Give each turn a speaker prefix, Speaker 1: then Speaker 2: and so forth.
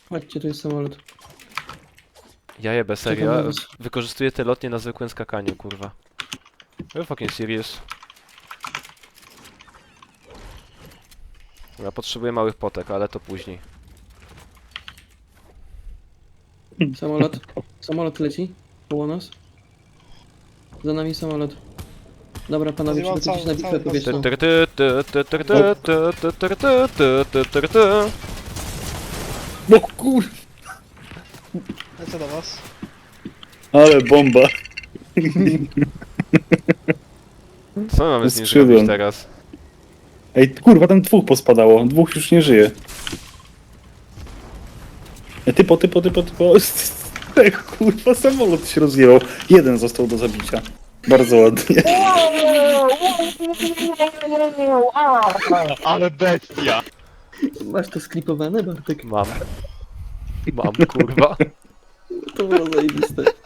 Speaker 1: Chodźcie, tu jest samolot.
Speaker 2: Ja jebę,
Speaker 1: Czekam
Speaker 2: serio.
Speaker 1: na was.
Speaker 2: Wykorzystuję te lotnie na zwykłym skakaniu, kurwa. You're fucking serious. Ja potrzebuję małych potek, ale to później.
Speaker 1: Samolot. Samolot leci. Koło nas. Za nami samolot. Dobra, panowie,
Speaker 3: Nazywam
Speaker 1: przygotujcie się na bitwę
Speaker 3: cały-
Speaker 1: powietrzną.
Speaker 4: No kur...
Speaker 3: Lecę do was.
Speaker 4: Ale bomba.
Speaker 2: Co my mamy z nim
Speaker 4: Skrzydłem.
Speaker 2: zrobić teraz?
Speaker 4: Ej, kurwa, tam dwóch pospadało. Dwóch już nie żyje. Ej, typo. Ej, kurwa, samolot się rozjechał. Jeden został do zabicia. Bardzo ładnie.
Speaker 5: Ale bestia!
Speaker 1: Masz to sklipowane, Bartek?
Speaker 2: Mam. Mam, kurwa.
Speaker 1: To było zajebiste.